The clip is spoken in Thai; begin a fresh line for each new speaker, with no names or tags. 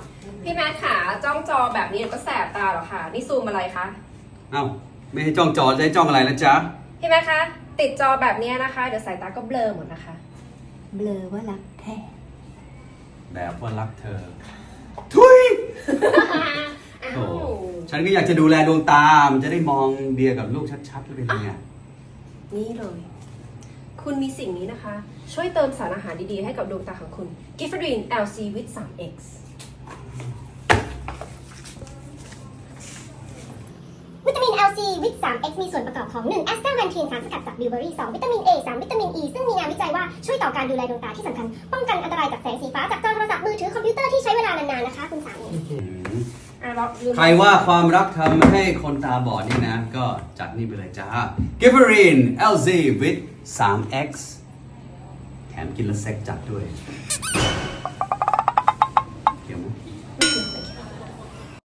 พี่แมทขาจ้องจอแบบนี้ก็แสบตาหรอคะนี่ซูมอะไรคะ
เอ้าไม่ให้จ้องจอจะให้จ้องอะไรนะจ๊ะ
พี่แมทคะติดจอแบบนี้นะคะเดี๋ยวสายตาก็เบลอหมดนะคะ
เบลอว่ารักแท้
แบบว่ารักเธอ ทุย โอ้ฉันก็อยากจะดูแลดวงตา มันจะได้มองเดียกับลูกชัดๆเลยเป็นไง
นี่เลย คุณมีสิ่งนี้นะคะ ช่วยเติมสารอาหารดีๆให้กับดวงตาของคุณ Giffordine LC with 3X
วิตามิน LC วิต 3X มีส่วนประกอบของ1แอสตาแวนทีนสารสกัดจากบิวเบอรี่2วิตามิน A 3วิตามิน E ซึ่งมีงานวิจัยว่าช่วยต่อการดูแลดวงตาที่สำคัญป้องกันอันตรายจากแสงสีฟ้าจากจอโทรศัพท์มือถือคอมพิวเตอร์ที่ใช้เวลานานๆนะคะคุณสามี
ใครว่าความรักทำให้คนตาบอดนี่นะ ก็จัดนี่ไปเลยจ้า Giffordine LZ with 3X แถมกินแล้วเซ็กจัดด้วย